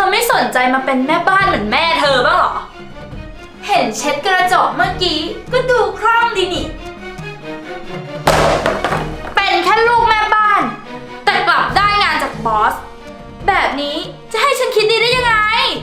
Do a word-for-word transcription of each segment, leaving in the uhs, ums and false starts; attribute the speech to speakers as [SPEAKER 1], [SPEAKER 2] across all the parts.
[SPEAKER 1] อไม่สนใจมาเป็นแม่บ้านเหมือนแม่เธอบ้างหรอเห็นเช็ดกระจกเมื่อกี้ก็ดูคล่องดีนี่เป็นแค่ลูกแม่บ้านแต่กลับได้งานจากบอสแบบนี้จะให้ฉันคิดดีได้ยังไง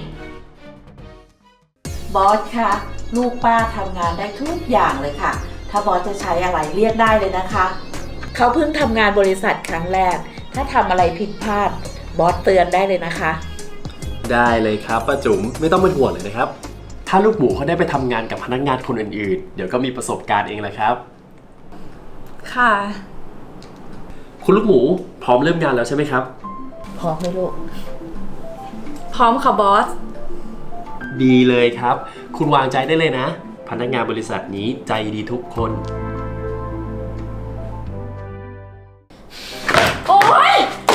[SPEAKER 2] บอสคะลูกป้าทำงานได้ทุกอย่างเลยค่ะถ้าบอสจะใช้อะไรเรียกได้เลยนะคะเขาเพิ่งทำงานบริษัทครั้งแรกถ้าทำอะไรผิดพลาดบอสเตือนได้เลยนะคะ
[SPEAKER 3] ได้เลยครับป้าจุ๋มไม่ต้องเป็นห่วงเลยนะครับถ้าลูกหมูเขาได้ไปทำงานกับพนักงานคนอื่นๆเดี๋ยวก็มีประสบการณ์เองแหละครับ
[SPEAKER 1] ค่ะ
[SPEAKER 3] คุณลูกหมูพร้อมเริ่มงานแล้วใช่ไหมครับ
[SPEAKER 2] พร้อมไหมลูก
[SPEAKER 1] พร้อมค่ะบอส
[SPEAKER 3] ดีเลยครับคุณวางใจได้เลยนะพนักงานบริษัทนี้ใจดีทุกคน
[SPEAKER 1] โอ๊ย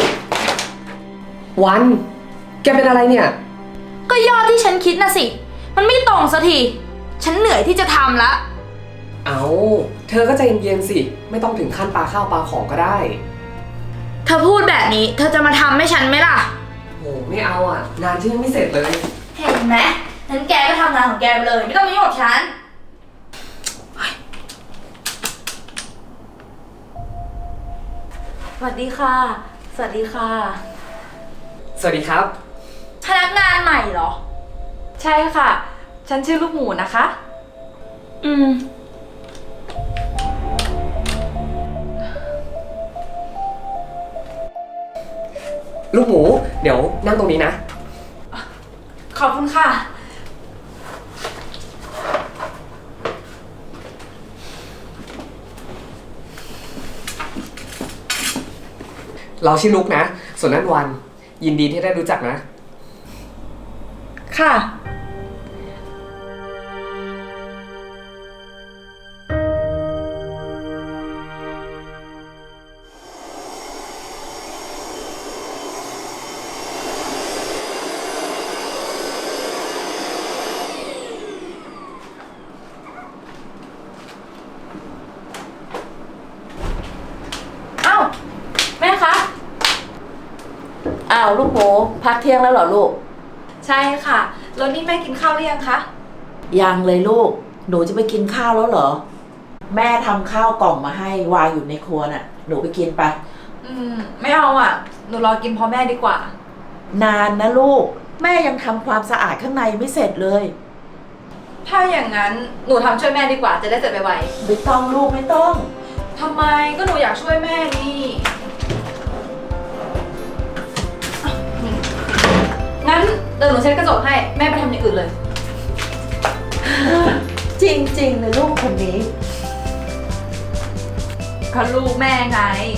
[SPEAKER 4] วันแกเป็นอะไรเนี่ย
[SPEAKER 1] ก็ยอดที่ฉันคิดนะสิมันไม่ตรงสักทีฉันเหนื่อยที่จะทำละ
[SPEAKER 4] เอาเธอก็ใจเย็นๆสิไม่ต้องถึงขั้นปลาข้าวปลาของก็ได้
[SPEAKER 1] เธอพูดแบบนี้เธอจะมาทำให้ฉันไหมล่ะ
[SPEAKER 4] โหไม่เอาอ่ะงานฉันยังไม่เสร็จเลย
[SPEAKER 1] เห็นไหมงั้นแกก็ทำงานของแกไปเลยไม่ต้องมายุ่งกับฉันสวัสดีค่ะสวัสดีค่ะ
[SPEAKER 4] สวัสดีครับ
[SPEAKER 1] พนักงานใหม่เหรอ
[SPEAKER 5] ใช่ค่ะฉันชื่อลูกหมูนะคะ
[SPEAKER 1] อืม
[SPEAKER 4] ลูกหมูเดี๋ยวนั่งตรงนี้นะ
[SPEAKER 1] ขอบคุณค่ะ
[SPEAKER 4] เราชื่อลุกนะส่วนนั้นวันยินดีที่ได้รู้จักนะ
[SPEAKER 1] ค่ะ
[SPEAKER 2] อ้าวลูกหมูพักเที่ยงแล้วเหรอลูก
[SPEAKER 5] ใช่ค่ะแล้วนี่แม่กินข้าวหรือยังคะ
[SPEAKER 2] ยังเลยลูกหนูจะไปกินข้าวแล้วเหรอแม่ทำข้าวกล่องมาให้วางอยู่ในครัวน่ะหนูไปกินไป
[SPEAKER 5] อืมไม่เอาอ่ะหนูรอกินพร้อมแม่ดีกว่าน
[SPEAKER 2] านนะลูกแม่ยังทำความสะอาดข้างในไม่เสร็จเลย
[SPEAKER 5] ถ้าอย่างนั้นหนูทำช่วยแม่ดีกว่าจะได้เสร็จไว
[SPEAKER 2] ๆไม่ต้องลูกไม่ต้อง
[SPEAKER 5] ทำไมก็หนูอยากช่วยแม่นี่งั้นเดี๋ยวหนูเช็ดกระจกให้แม่ไปทำอย่างอื่นเลย
[SPEAKER 2] จริงๆเลยลูกคนนี้
[SPEAKER 5] ก็ลูกแม่ไง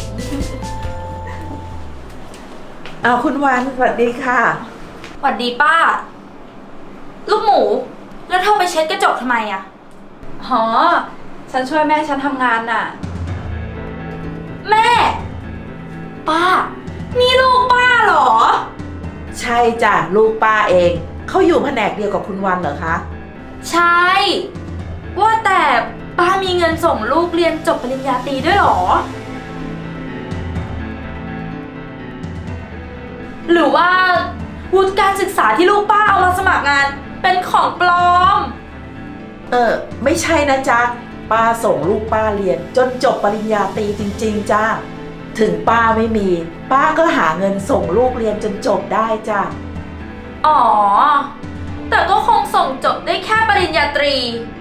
[SPEAKER 2] เอาคุณวันสวัสดีค่ะ
[SPEAKER 1] สวัสดีป้าลูกหมูแล้วเธอไปเช็ดกระจกทำไมอ่ะ
[SPEAKER 5] หอฉันช่วยแม่ฉันทำงานน่ะ
[SPEAKER 1] แม่ป้านี่ลูกป้าเหรอ
[SPEAKER 2] ใช่จ้ะลูกป้าเองเขาอยู่แผนกเดียวกับคุณวันเหรอคะ
[SPEAKER 1] ใช่ว่าแต่ป้ามีเงินส่งลูกเรียนจบปริญญาตรีด้วยเหรอหรือว่าวุฒิการศึกษาที่ลูกป้าเอามาสมัครงานเป็นของปลอม
[SPEAKER 2] เออไม่ใช่นะจ๊ะป้าส่งลูกป้าเรียนจนจบปริญญาตรีจริงๆจ้าถึงป้าไม่มีป้าก็หาเงินส่งลูกเรียนจนจบได้จ้ะ
[SPEAKER 1] อ๋อแต่ก็คงส่งจบได้แค่ปริญญาตรี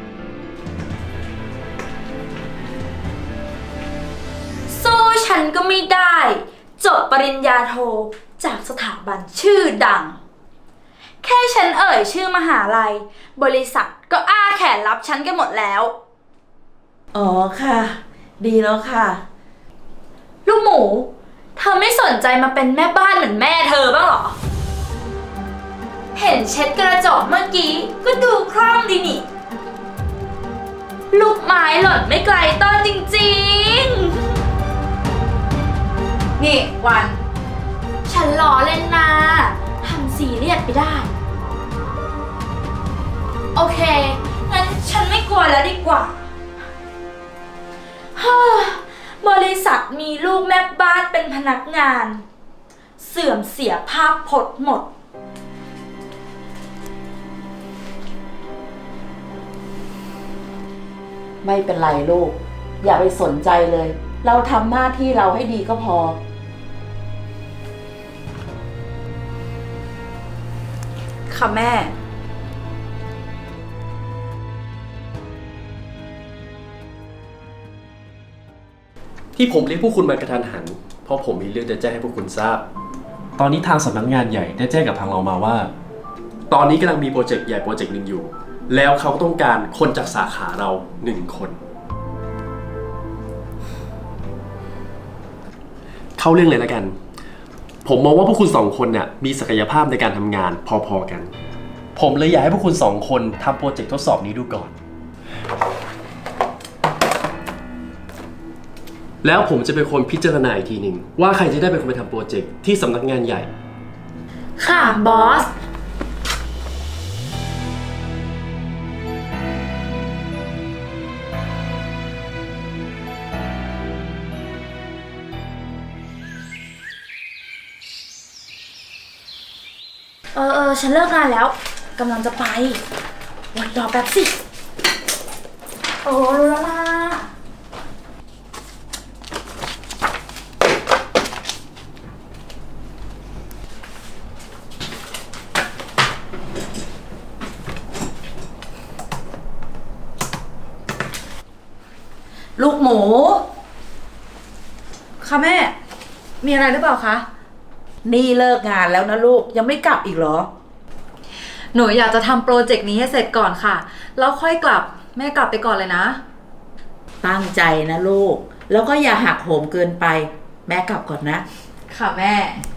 [SPEAKER 1] สู้ฉันก็ไม่ได้จบปริญญาโทจากสถาบันชื่อดังแค่ฉันเอ่ยชื่อมหาลัยบริษัทก็อ้าแขนรับฉันกันหมดแล้ว
[SPEAKER 2] อ๋อค่ะดีแล้วค่ะ
[SPEAKER 1] ลูกหมูเธอไม่สนใจมาเป็นแม่บ้านเหมือนแม่เธอบ้างหรอเห็นเช็ดกระจกเมื่อกี้ก็ดูคล่องดีนี่ลูกไม้หล่นไม่ไกลต้นจริง
[SPEAKER 5] ๆนี่วัน
[SPEAKER 1] ฉันล้อเล่นนะทำซีเรียสไปได้โอเคงั้นฉันไม่กลัวแล้วดีกว่าฮ่าบริษัทมีลูกแม่บ้านเป็นพนักงานเสื่อมเสียภาพพจน์หมด
[SPEAKER 2] ไม่เป็นไรลูก อย่าไปสนใจเลย เราทำหน้าที่เราให้ดีก็พอ
[SPEAKER 5] ค่ะแม่
[SPEAKER 3] ที่ผมเรียกพวกคุณมากระทันหัน เพราะผมมีเรื่องจะแจ้งให้พวกคุณทราบ ตอนนี้ทางสำนักงานใหญ่ได้แจ้งกับทางเรามาว่า ตอนนี้กำลังมีโปรเจกต์ใหญ่โปรเจกต์หนึ่งอยู่ แล้วเขาต้องการคนจากสาขาเราหนึ่งคน เข้าเรื่องเลยแล้วกัน ผมมองว่าพวกคุณสองคนเนี่ยมีศักยภาพในการทำงานพอๆกัน ผมเลยอยากให้พวกคุณสองคนทำโปรเจกต์ทดสอบนี้ดูก่อน แล้วผมจะเป็นคนพิจารณาอีกทีหนึ่งว่าใครจะได้เป็นคนไปทำโปรเจกต์ที่สำนักงานใหญ่
[SPEAKER 1] ค่ะบอส เออเออฉันเลิกงานแล้วกำลังจะไปวันรอแป๊บสิ โอ้รู้แล้วล่ะ
[SPEAKER 2] ลูกหมู
[SPEAKER 5] ค่ะแม่ มีอะไรหรือเปล่าคะ
[SPEAKER 2] นี่เลิกงานแล้วนะลูกยังไม่กลับอีกเหรอ
[SPEAKER 5] หนูอยากจะทำโปรเจกต์นี้ให้เสร็จก่อนค่ะ แล้วค่อยกลับ แม่กลับไปก่อนเลยนะ
[SPEAKER 2] ตั้งใจนะลูก แล้วก็อย่าหักโหมเกินไป แม่กลับก่อนนะ
[SPEAKER 5] ค่ะแม่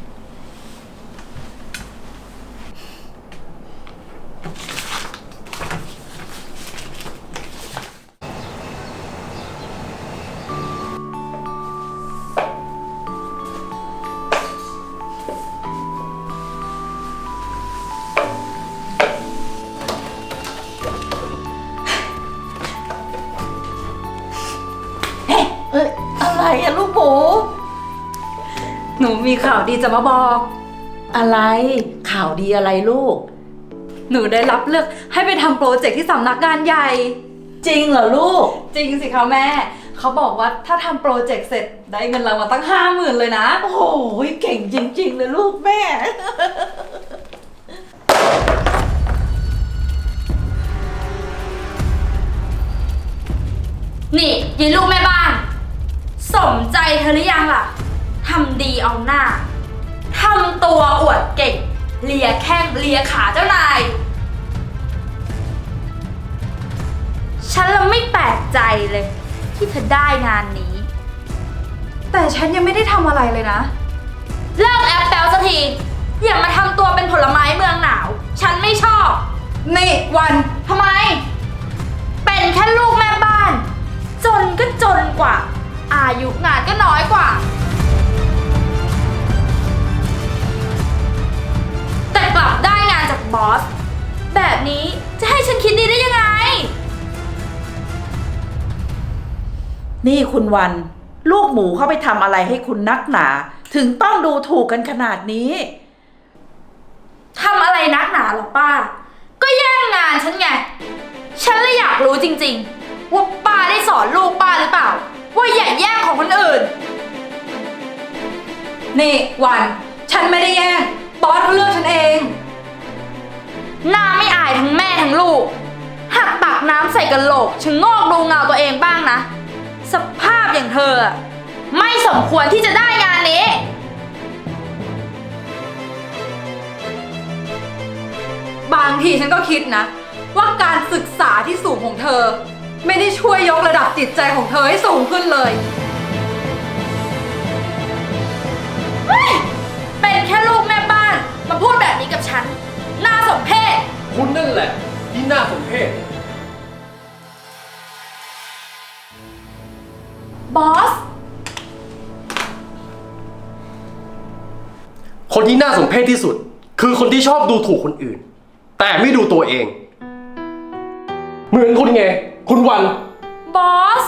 [SPEAKER 2] เอ้ยอะไรอะลูกหมู
[SPEAKER 5] หนูมีข่าวดีจะมาบอก
[SPEAKER 2] อะไร ข่าวดีอะไรลูก
[SPEAKER 5] หนูได้รับเลือกให้ไปทำโปรเจกต์ที่สำนักงานใหญ่
[SPEAKER 2] จริงเหรอลูก
[SPEAKER 5] จริงสิคะแม่ เขาบอกว่าถ้าทำโปรเจกต์เสร็จได้เงินรางวัลตั้งห้าหมื่นเลยนะ
[SPEAKER 2] โอ้โหเก่งจริงๆเลยลูกแม่
[SPEAKER 1] นี่ยีลูกแม่บ้าน สมใจเธอหรือยังล่ะทำดีเอาหน้าทำตัวอวดเก่งเลียแข้งเลียขาเจ้านาย ฉันละไม่แปลกใจเลย ที่เธอได้งานนี้
[SPEAKER 5] แต่ฉันยังไม่ได้ทำอะไรเลยนะ
[SPEAKER 1] เลิกแอปแปลสักที อย่ามาทำตัวเป็นผลไม้เมืองหนาว ฉันไม่ชอบ
[SPEAKER 5] นี่วัน
[SPEAKER 1] ทำไม เป็นแค่ลูกแม่บ้าน จนก็จนกว่า อายุงานก็น้อยกว่า แต่กลับได้งานจากบอส แบบนี้จะให้ฉันคิดดีได้ยังไง
[SPEAKER 2] นี่คุณวัน ลูกหมูเข้าไปทำอะไรให้คุณนักหนา ถึงต้องดูถูกกันขนาดนี้
[SPEAKER 1] ทำอะไรนักหนาหรอป้า ก็แย่งงานฉันไง ฉันเลยอยากรู้จริงๆ ว่าป้าได้สอนลูกป้าหรือเปล่า ว่าอย่าแย่งของคนอื่น
[SPEAKER 5] นี่วัน ฉันไม่ได้แย่งบอสเขาเลือกฉันเอง
[SPEAKER 1] หน้าไม่อายทั้งแม่ทั้งลูก หัดตักน้ำใส่กระโหลกชะโงอกดูเงาตัวเองบ้างนะ สภาพอย่างเธออะไม่สมควรที่จะได้งานนี้
[SPEAKER 5] บางทีฉันก็คิดนะ ว่าการศึกษาที่สูงของเธอ ไม่ได้ช่วยยกระดับจิตใจของเธอให้สูงขึ้นเลย
[SPEAKER 1] เฮ้ย เป็นแค่ลูกแม่บ้าน มาพูดแบบนี้กับฉัน น่าสมเพช
[SPEAKER 3] คุณนั่นแหละที่น่าสมเพช
[SPEAKER 1] บอส
[SPEAKER 3] คนที่น่าสมเพชที่สุด คือคนที่ชอบดูถูกคนอื่น แต่ไม่ดูตัวเอง เหมือนคุณไง คุณวัน
[SPEAKER 1] บอส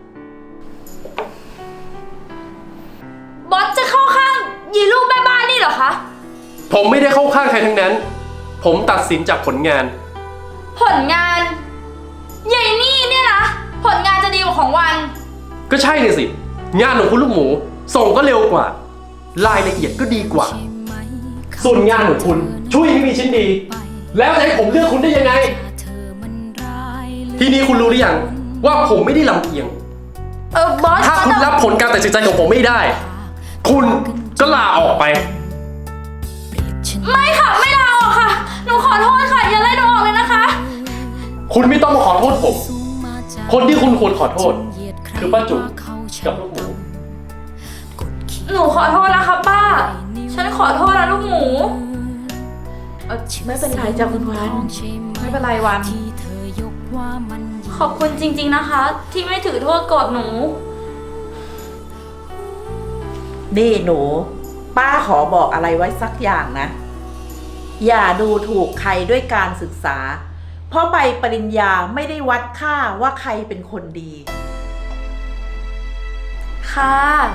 [SPEAKER 1] บอสจะเข้าข้างยีลูกแม่บ้านนี่เหรอคะ
[SPEAKER 3] ผมไม่ได้เข้าข้างใครทั้งนั้น ผมตัดสินจากผลงาน
[SPEAKER 1] ผลงานยายนี่เนี่ยนะผลงานจะดีกว่าของวัน
[SPEAKER 3] ก็ใช่เลยสิ งานของคุณลูกหมู ส่งก็เร็วกว่า รายละเอียดก็ดีกว่า ส่วนงานของคุณช่วยไม่มีชิ้นดี แล้วจะให้ผมเลือกคุณได้ยังไง ทีนี้คุณรู้หรือยังว่าผมไม่ได้ลำเอียง
[SPEAKER 1] เออบอส
[SPEAKER 3] ถ้าคุณรับผลการตัดสินใจของผมไม่ได้ คุณก็ลาออกไป
[SPEAKER 1] ไม่ค่ะ ไม่ลาออกค่ะ หนูขอโทษค่ะ อย่าไล่หนูออกเลยนะคะ
[SPEAKER 3] คุณไม่ต้องมาขอโทษผม คนที่คุณควรขอโทษ คือป้าจุ๋มกับลูกหมู
[SPEAKER 1] หนูขอโทษนะคะป้า ฉันขอโทษนะลูกหมู
[SPEAKER 2] เอ่อไม่เป็นไรจ้ะคุณวัน
[SPEAKER 5] ไม่เป็นไรวัน
[SPEAKER 1] ขอบคุณจริงๆนะคะ ที่ไม่ถือโทษโกรธหนู
[SPEAKER 2] นี่หนู ป้าขอบอกอะไรไว้สักอย่างนะ อย่าดูถูกใครด้วยการศึกษา เพราะใบปริญญาไม่ได้วัดค่าว่าใครเป็นคนดี
[SPEAKER 1] ค่ะ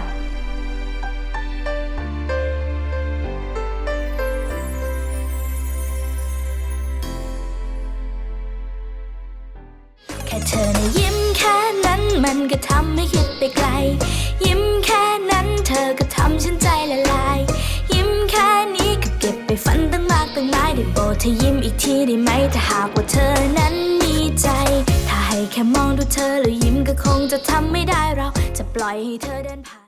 [SPEAKER 6] แค่เธอนะยิ้มแค่นั้นมันก็ทำให้คิดไปไกล ยิ้มแค่นั้นเธอก็ทำฉันใจละลาย ยิ้มแค่นี้ก็เก็บไปฝันตั้งมากตั้งหลายได้โปรดเธอยิ้มอีกทีได้ไหมถ้าหากว่าเธอนั้นมีใจ ถ้าให้แค่มองดูเธอแล้วยิ้มก็คงจะทำไม่ได้เราจะปล่อยให้เธอเดินผ่าน